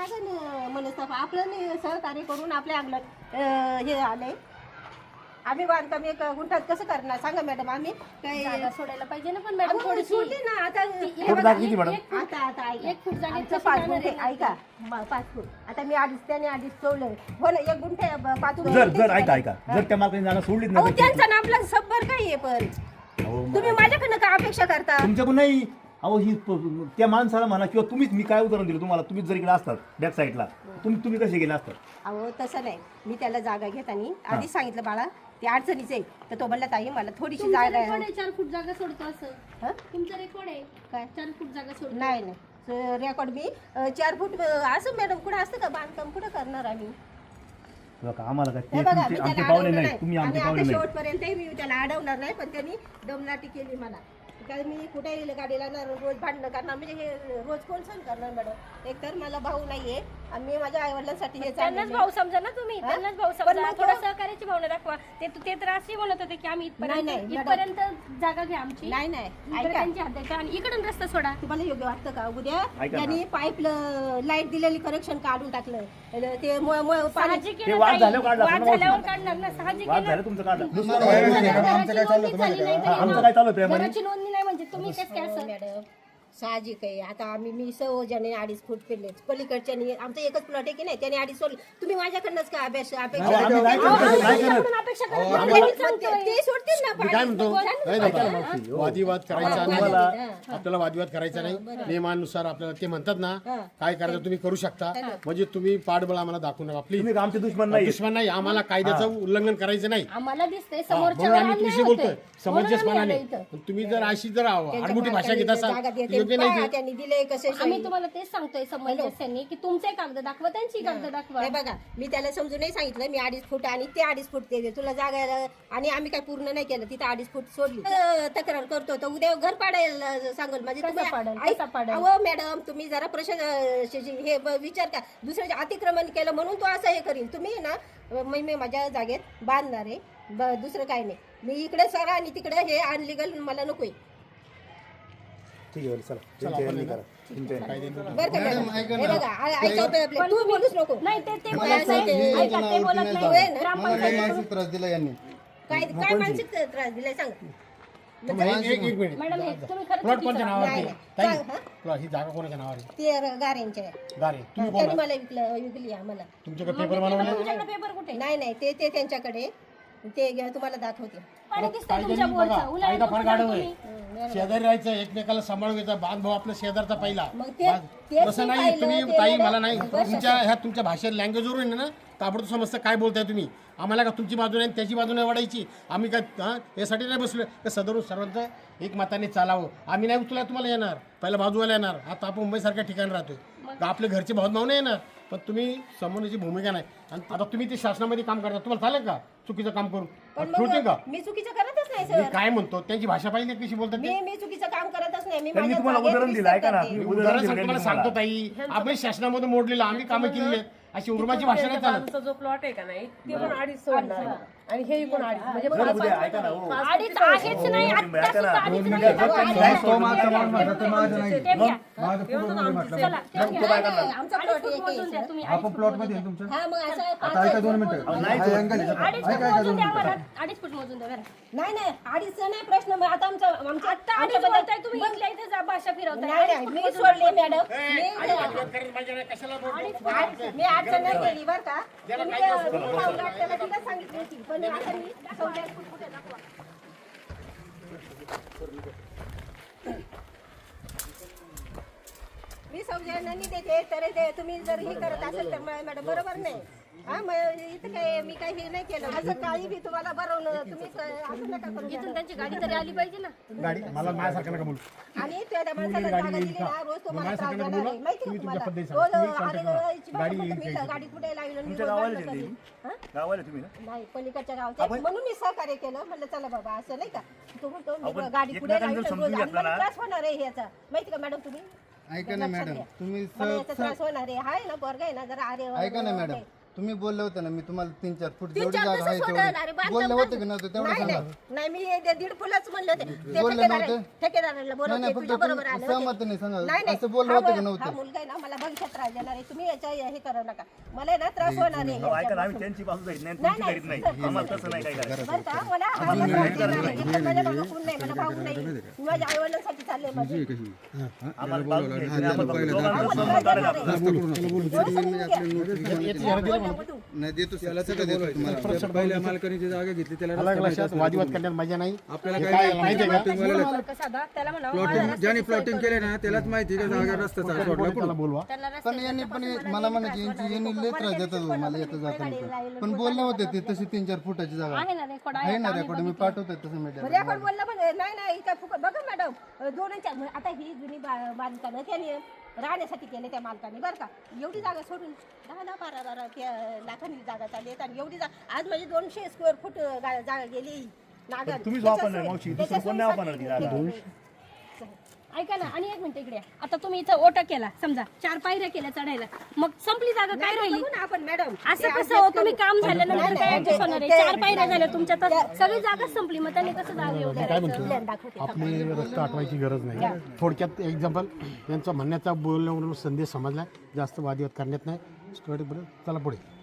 काय मनस्ताप आपलं सहकार्य करून आपल्या अंगणात हे आले. आम्ही बांधकाम 1 गुंठात कसं करणार सांगा मॅडम. आम्ही जागा सोडायला पाहिजे ना पण मॅडम थोडी सोडली ना आता. किती मॅडम? आता 1 फूट जागेत 5 गुंठे ऐका 5 फूट. आता मी त्याने आधीच सोडलं हो ना 1 गुंठे 5 गुंठे. जर ऐका जर त्या मालकाने जागा सोडलीच नाही त्यांचा ना आपला सबबर काय आहे पण तुम्ही माझ्याकडनं काय अपेक्षा करता? तुमच्याकडून नाही. अहो ही त्या माणसाला म्हणा किंवा तुम्हीच मी काय उदाहरण दिलं तुम्हाला. तुम्हीच जर इकडे असतात बॅक साईडला तुम्ही कसे गेले असतात? अहो तसं नाही. मी त्याला जागा घेताना आधीच सांगितलं बाळा ते अडचणीच आहे. तर तो म्हणला ताई मला थोडीशी जागा आहे. 4 फूट जागा सोडतो असं तुमचा रेकॉर्ड आहे काय 4 फूट जागा सोडतो? नाही रेकॉर्ड मी 4 फूट असं मॅडम कुठं असतं का बांधकाम कुठं करणार आम्ही? आम्हाला काय आमचे पाहुणे नाही तुम्ही आमचे पाहुणे नाही. शेवटपर्यंत मी त्याला अडवणार नाही पण त्यांनी दमलाटी केली मला. कारण मी कुठे गाडीला ना रोज भांडणं करणार म्हणजे हे रोज कोण सहन करणार मॅडम? एकतर मला भाऊ नाहीये आणि मी माझ्या आईवडिलांसाठी हे त्यांनाच भाऊ समजा ना तुम्ही. त्यांनाच भाऊ समजा. थोडं सहकार्याची भावना दाखवा. ते तर असे म्हणत होते की आम्ही इथपर्यंत जागा घ्या आमची. नाही ऐका त्यांची हद्द आणि इकडून रस्ता सोडा. तुम्हाला योग्य वाटतं का? उद्या त्यांनी पाईप लाईट दिलेली कनेक्शन काढून टाकलं ते साहजिक वाद झाल्यावर काढणार ना. साहजिक तुमचं काढलं. आमचं काय चालू आहे? घराची नोंदणी नाही म्हणजे तुम्ही कसं काय असं? मॅडम साहजिक आहे. आता मी सहजाने 2.5 फूट फिरले पलीकडच्याने आमचा एकच प्लॉट आहे की नाही त्याने 2.5 सोडले. तुम्ही माझ्याकडनंच का अपेक्षा अपेक्षा करत ते सोडतील ना काय म्हणतो वादविवाद करायचा नाही. आपल्याला वादविवाद करायचा नाही. नियमानुसार आपल्याला ते म्हणतात ना काय करायचं तुम्ही करू शकता. म्हणजे तुम्ही पाठबळ आम्हाला दाखवू नका. प्लीज आमचे दुश्मन नाही. दुश्मन नाही. आम्हाला कायद्याचं उल्लंघन करायचं नाही. आम्हाला दिसतंय म्हणून समोरच्या आम्ही तुझी बोलतोय समंजसपणाने. तुम्ही जर अशी जर आडमुठी भाषा घेत असाल योग्य नाही. त्यांनी दिले कसे आम्ही तुम्हाला तेच सांगतोय समंजस्याने की तुमचे कागद दाखवा त्यांची कागद दाखवा. हे बघा मी त्याला समजून नाही सांगितलं मी 2.5 फूट आणि ते 2.5 फूट ते तुला जागा आणि आम्ही काय पूर्ण नाही केलं तिथे 2.5 फूट सोडली. तक्रार करतो तर उद्या घर पाडायला सांगल म्हणजे मॅडम तुम्ही जरा प्रश्न हे विचार का दुसऱ्याचे अतिक्रमण केलं म्हणून तो असं हे करील. तुम्ही ना मी माझ्या जागेत बांधणार आहे दुसरं काय नाही. मी इकडे सरा आणि तिकडे हे अनलिगल मला नकोय. ठीक आहे चला बरं का मॅडम हे बघा ऐका तू बोलूच नको. नाही ते बोलत नाही. ग्रामपंचायत त्रास दिला यांनी काय मानसिक त्रास दिलाय सांग. एक मिनिट मॅडम तुम्ही खरंच प्लॉट कोणत्या नावावर नाही, आहे? नाही. ताई, प्लॉट ही जागा कोणाच्या नावावर आहे? ते गाऱ्यांच्या गारे तुम्ही त्यांनी बोला. मला विकली आम्हाला. तुमच्याकडे पेपर बनवले तुमच्याकडे पेपर कुठे? नाही ते त्यांच्याकडे ते तुम्हाला दाखवते. पाणी दिसतंय तुमच्या बोरचं. कायदा फार गाढव आहे. तुम्ही शेजारी राहायचं एकमेकाला सांभाळून घ्यायचा बांधभाव आपला शेजारचा पहिला. मग तेच तसं मी नाही पाहिलं, तुम्ही ते ताई मला- मला नाही तुमच्या भाषेत लँग्वेजवरून आहे ना ताबडतोब समजतं काय बोलताय तुम्ही. आम्हाला का तुमची बाजू नाही त्याची बाजू नाही वाढायची. आम्ही काय यासाठी नाही बसलो का सदरून सर्वांचं एक मताने चालावं. आम्ही नाही उचला तुम्हाला येणार पहिला बाजूवाला येणार. आता आपण मुंबईसारख्या ठिकाणी राहतोय का आपले घरचे भावभाव नाही येणार पण तुम्ही समोरची भूमिका नाही. आणि आता तुम्ही ते शासनामध्ये काम करता तुम्हाला चालेल का चुकीचं काम करून ठेवते का? मी चुकीचं करतच नाही मी सर. काय म्हणतो त्यांची भाषा पाहिजे कशी बोलतात ते? मी चुकीचं काम करतच नाही. मी त्यांनी माझ्या तुम्हाला जागेत उदाहरण दिलं ऐका ना. विस्तार करते. उदाहरण सांगतो तुम्हाला सांगतो ताई आपण शासनामध्ये मोडलेलं आम्ही कामं केलेली आहेत. अशी उर्माची भाषा नाही चालत. आमचा जो प्लॉट आहे का नाही ते पण 2.5 सोडणार आणि हे पण 2.5 म्हणजे ऐका ना हो. अडीच आहेच नाही आता सुद्धा अडीच नाही. चला, ते घ्या. आमचा अडीच plot फूट एक मोजून आहे, द्या सर. तुम्ही. आपण प्लॉट मध्ये आहे तुमच्या हा मग असं आता ऐका 2 मिनिटं हा अँगल आहे. 2.5 फूट मोजून द्या आम्हाला. 2.5 फूट मोजून द्या बरं. नाही 2.5 नाही प्रश्न. मग आता आमचा आता 2.5 बोलताय तुम्ही इथल्या इथे जा भाषा फिरवताय. नाही मी सोडले मॅडम. कशाला मी अडचण नाही केली बरं का. तुम्ही त्याला तिला सांगितली होती पण आता मी सौद्यात कुठे दाखवा. मी सौजन्याने देते तर ते तुम्ही जर हे करत असेल तर मॅडम बरोबर नाही. हा मग इथं काय मी काही हे नाही केलं. असं काही बी तुम्हाला बरवलं तुम्ही असं नका करू. इथून त्यांची गाडी तरी आली पाहिजे ना. गाडी मला माझ्यासारखं नका बोलू. आणि त्या माणसाला जागा दिली ना रोज तुम्हाला त्रास देणार आहे. माहिती आहे तुम्हाला रोज आले गाडी कुठे लावली आणि मी रोज भांडणं करीन. हा? गावाला तुम्ही ना नाही पलीकडच्या गावच्या म्हणून मी सहकार्य केलं. म्हणलं चला बाबा असं नाही का तू म्हणतो मी गाडी पुढे लावली रोज आणि मला त्रास होणार आहे ह्याचा माहिती का मॅडम तुम्ही ऐका ना मॅडम तुम्ही मला याचा त्रास होणार आहे. हाय ना पोरगा आहे ना जरा अरे ऐका ना मॅडम तुम्ही बोलले होते ना मी तुम्हाला 3-4 फूट 3-4 जेवढी जागा आहे कसं सोडणार? अरे तेवढी बांधकाम बोलले होते की कर- नव्हते तेवढं नाही सांगा नाही मी ते 1.5 फुलाच म्हणलं होते ते बोलले नव्हते? ठेकेदाराला नाही बोलवते नाही तुझ्या फक्त बरोबर तुम्ही आले होते. सहमत नाही सांगा नाही नाही असं बोलले हा होते की हा नव्हते मुलगा आहे ना मला भविष्यात त्रास देणार आहे तुम्ही याच्या हे करू नका मला आहे ना त्रास होणार आहे अहो, ऐका ना, आम्ही त्यांची बाजू धरीत नाही तुमची धरीत नाही आम्हाला तसं नाही काय करायचं बरं का मला हा मला त्रास देणार आहे. एकतर माझ्या मागं कोण नाही मला भाऊ नाही मी माझ्या आईवडिलांसाठी चालले माझे आम्हाला बाजू घ्यायची नाही, आम्हाला दोघांचं सहमत काढायला लागतं. नाही देतो त्याला सगळं देतो तुम्हाला पहिल्या मालकाने जागा घेतली त्याला अलग लक्षात वादविवाद करण्यात मजा नाही आपल्याला हे काय काय माहिती आहे का मालक साधा त्याला म्हणावं प्लॉटिंग ज्याने प्लॉटिंग केले ना त्यालाच माहिती का जागा रस्ता सोडला त्याला कुठं बोलवा त्यांना पण यांनी पण मला म्हणायचे यांनी लय त्रास देतात मला येतं जाताना पण बोलले होते ते तशी 3-4 फुटाची जागा आहे ना रेकॉर्ड आहे ना रेकॉर्ड मी पाठवतोय तसं मीडिया रेकॉर्ड बोललं पण नाही नाही काय फुकट बघा मॅडम दोन्हीच्या आता ही जुनी बांधकामं त्याने राहण्यासाठी केले त्या मालकाने बरं का एवढी जागा सोडून 10-12 त्या लाखांनी जागा चालली आहेत आणि एवढी जागा आज म्हणजे 200 स्क्वेअर फूट जागा गेली नागर तुम्हीच वापरणार मावशी दुसरं कोण नाही वापरणार ती जागा ऐका ना आणि एक मिनिट इकडे या. आता तुम्ही इथं ओटा केला समजा 4 पायऱ्या केल्या चढायला मग संपली जागा काय राहिली बघू ना आपण मॅडम असं कसं हो तुम्ही काम झाल्यानंतर काय ऍडजस्ट होणार आहे 4 पायऱ्या झाल्या तुमच्या तर सगळी जागा संपली मग त्यांनी कसं जागा येऊ द्यायचं आपली रस्ता आठवायची गरज नाही थोडक्यात एक्झाम्पल यांचा म्हणण्याचा बोलण्यावरून संदेश समजला जास्त वादविवाद करण्यात नाही चला पुढे